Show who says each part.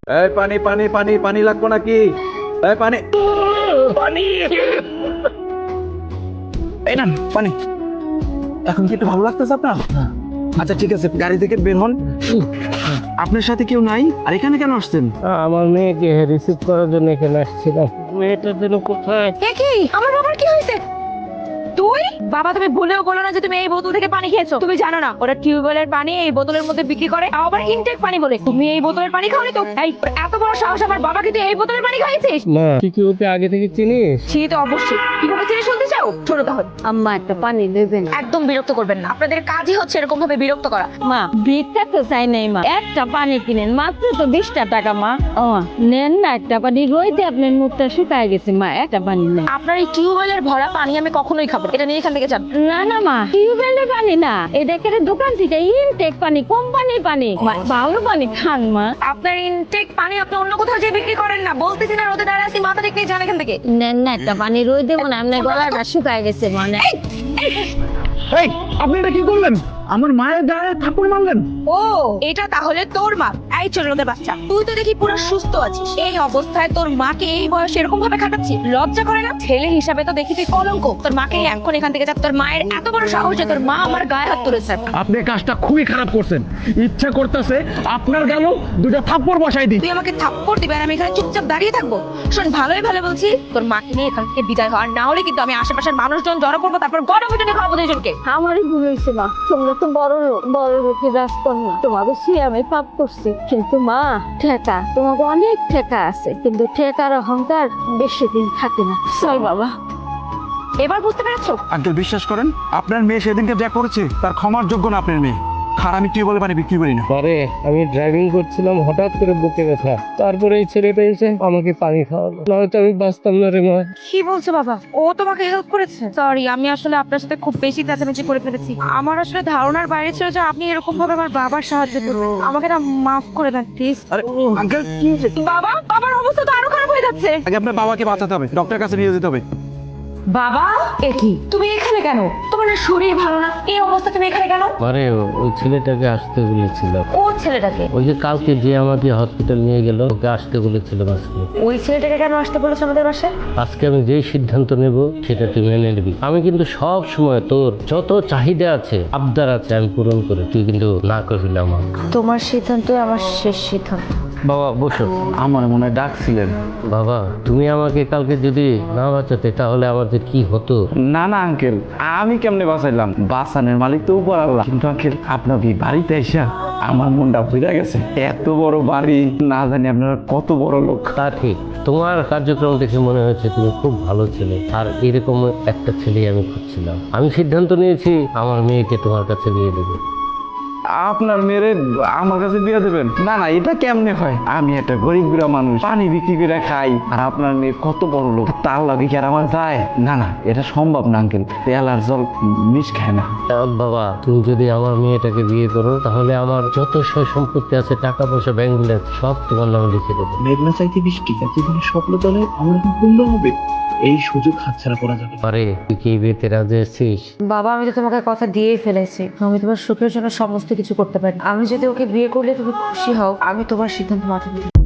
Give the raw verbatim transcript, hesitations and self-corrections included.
Speaker 1: এই পানি পানি পানি পানি লাগবে নাকি? এই পানি পানি এই না পানি। এখন কি একটু ভালো লাগতেছে আপনার? আচ্ছা ঠিক আছে, গাড়ি থেকে বের হন। আপনার সাথে কেউ নাই? আর এখানে কেন আসছেন?
Speaker 2: আমার মেয়েকে রিসিভ করার জন্য এখানে আসছিলাম। মেয়েটার জন্য কোথায়?
Speaker 3: এ কি আমার বাবার কি হয়েছে? তুই বাবা তুমি ভুলেও বলো না যে তুমি এই বোতল থেকে পানি খেয়েছো। তুমি জানো না ওরা টিউবওয়েলের পানি এই বোতলের মধ্যে বিক্রি করে, তাও আবার ইনটেক পানি বলে। তুমি এই বোতলের পানি খাওনি তো? এই এত বড় সাহস আমার বাবাকে তুই এই বোতলের পানি খাইয়েছিস?
Speaker 2: মা তুই কি ওকে আগে থেকে চিনিস?
Speaker 3: সে তো অবশ্যই। কিভাবে চিনি শুনতে চাও? ছোট তাহলে
Speaker 4: আম্মা একটা পানি দেবেন?
Speaker 3: একদম বিরক্ত করবেন না, আপনাদের কাজই হচ্ছে এরকম ভাবে বিরক্ত করা।
Speaker 4: মা ভিক্ষা তো চাই নাই মা, একটা পানি কিনেন, মাত্র তো বিশটা টাকা মা। ও মা নেন না একটা পানি, রইতে আপনার মুখটা শুকায় গেছে মা, একটা পানি নেন।
Speaker 3: আপনার এই টিউবওয়েলের ভরা পানি আমি কখনোই খাবো না। এটা নিয়ে এখান থেকে যান।
Speaker 4: না না মা, টিউবওয়েলের পানি না, এটা একেবারে দোকান থেকে ইনটেক পানি, কোম্পানির পানি, ভালো পানি খান মা।
Speaker 3: আপনার ইনটেক পানি আপনি অন্য কোথাও যে বিক্রি করেন না, বলতেছি না রোদে দাঁড়াচ্ছি, মাথা ঠিক নেই, যান এখান থেকে।
Speaker 4: নেন না একটা পানি, রই দেবো না, আপনার গলাটা শুকায় গেছে মানে।
Speaker 1: এই আপনি এটা কি করলেন? আমার মায়ের গায়ে থাপ্পড় মারলেন?
Speaker 3: ও এটা তাহলে তোর মা? এই ছোটদের বাচ্চা, তুই তো দেখি পুরো সুস্থ আছিস, এই অবস্থায় তোর মাকে এই বয়সে এরকম ভাবে খাটাচ্ছিস? লজ্জা করে না? ছেলে হিসাবে তো দেখি তুই কলঙ্ক। তোর মাকে এখন এখান থেকে যা। তোর মায়ের এত বড় সাহস যে তোর মা আমার গায়ে হাত তুলেছে।
Speaker 1: আপনি কাজটা খুবই খারাপ করছেন। ইচ্ছা করতেছে আপনার গালেও দুটো থাপ্পড় বসাই দিই।
Speaker 3: তুই আমাকে থাপ্পড় দিবে আর আমি এখানে চুপচাপ দাঁড়িয়ে থাকবো? শোন ভালোই ভালো বলছি, তোর মাকে নিয়ে এখান থেকে বিদায় হওয়ার না হলে কিন্তু আমি আশেপাশের মানুষজন জড়ো করবো, তারপর গণপিটুনি খাওয়াবো দুজনকে।
Speaker 4: আমারই ভুল হয়েছে মা, তোমরা তো বড় লোক, বড় লোকের রাজকন্যা, তোমাকে সে আমি পাপ করছি। কিন্তু মা ঠেকা, তোমাকে অনেক ঠেকা আছে, কিন্তু ঠেকার অহংকার বেশি দিন থাকে না। চল বাবা।
Speaker 3: এবার বুঝতে পেরেছো?
Speaker 1: আঙ্কেল বিশ্বাস করেন, আপনার মেয়ে সেদিনকে যা করেছে তার ক্ষমার যোগ্য না আপনার মেয়ে। আর আমি টিউবওয়েলে পানি বিক্রি করি না।
Speaker 2: পরে আমি ড্রাইভিং করছিলাম, হঠাৎ করে বুকে ব্যথা, তারপরে এই ছেলেটা এসে আমাকে পানি খাওয়ালো, নয়তো আমি বাঁচতাম না রে মা।
Speaker 3: কি বলছো বাবা? ও তোমাকে হেল্প করেছে? সরি, আমি আসলে আপনার সাথে খুব বেশি চেঁচামেচি করে ফেলেছি। আমার আসলে ধারণার বাইরে ছিল যে আপনি এরকম ভাবে আমার বাবার সাহায্য করবেন। আমাকে না মাফ করে দেন প্লিজ।
Speaker 1: আরে আঙ্কেল কি হয়েছে?
Speaker 3: বাবা, বাবার অবস্থা তো আরো খারাপ হয়ে যাচ্ছে।
Speaker 1: আগে আপনার বাবাকে বাঁচাতে হবে, ডক্টরের কাছে নিয়ে যেতে হবে।
Speaker 3: বাবা এ কি, তুমি এখানে কেন? তোমার না শরীর ভালো না, এই অবস্থা তুমি এখানে কেন?
Speaker 2: আরে ওই ছেলেটাকে আসতে বলেছিলাম।
Speaker 3: ও ছেলেটাকে?
Speaker 2: ওই যে কালকে যে আমাকে হসপিটাল নিয়ে গেল, ওকে আসতে বলেছিলাম আজকে।
Speaker 3: ওই ছেলেটাকে কেন আসতে বলেছো আমাদের বাসায়?
Speaker 2: আজকে আমি যেই সিদ্ধান্ত নেব সেটা তুই মেনে নিবি। আমি কিন্তু সব সময় তোর যত চাহিদা আছে, আবদার আছে, আমি পূরণ করে, তুই কিন্তু না করবি না আমার।
Speaker 3: তোমার সিদ্ধান্তই আমার শেষ সিদ্ধান্ত।
Speaker 2: বাবা বসো।
Speaker 1: আমার মনে হয় ডাকছিলেন।
Speaker 2: বাবা তুমি আমাকে কালকে যদি না বাঁচাতে তাহলে আমার যে কি হতো।
Speaker 1: না না আঙ্কেল, আমি কেমনে বাঁচাইলাম? বাঁচানোর মালিক তো উপর আল্লাহ। কিন্তু আঙ্কেল আপনার এই বাড়িতে এসে আমার মনটা ভরে গেছে। এত বড় বাড়ি, না জানি আপনারা কত বড় লোক।
Speaker 2: তা ঠিক, তোমার কার্যক্রম দেখে মনে হয়েছে তুমি খুব ভালো ছেলে, আর এরকম একটা ছেলেই আমি খুঁজছিলাম। আমি সিদ্ধান্ত নিয়েছি আমার মেয়েকে তোমার কাছে দিয়ে দেবো।
Speaker 1: আপনার মেয়েরে আমার কাছে বিয়ে দেবেন? না না, এটা কেমনে হয়? আমি একটা গরিব গুড়া মানুষ, পানি বিক্রি করে খাই, আর আপনার মেয়ে কত বড় লোক, তার লাগে কি আর আমার যায়? না না, এটা সম্ভব না আঙ্কেল, তেল আর জল মিশ খায় না।
Speaker 2: আহ, বাবা তুমি যদি আমার মেয়েটাকে বিয়ে করো তাহলে আমার যত সয় সম্পত্তি আছে, টাকা পয়সা, ব্যাংক ব্যালেন্স সব তোমার নামে লিখে দেবো।
Speaker 5: মেঘনা চাইতে বৃষ্টি, জীবনের স্বপ্ন দলে আমার এখন পূর্ণ হবে। এই সুযোগ হাতছাড়া করা যাবে না।
Speaker 2: আরে তুই কি এই বিয়েতে রাজি আছিস?
Speaker 3: বাবা আমি তো তোমাকে কথা দিয়েই ফেলেছি, আমি তোমার সুখের জন্য সমস্ত কিছু করতে পারি। আমি যদি ওকে বিয়ে করলে তুমি খুশি হও, আমি তোমার সিদ্ধান্ত মাথা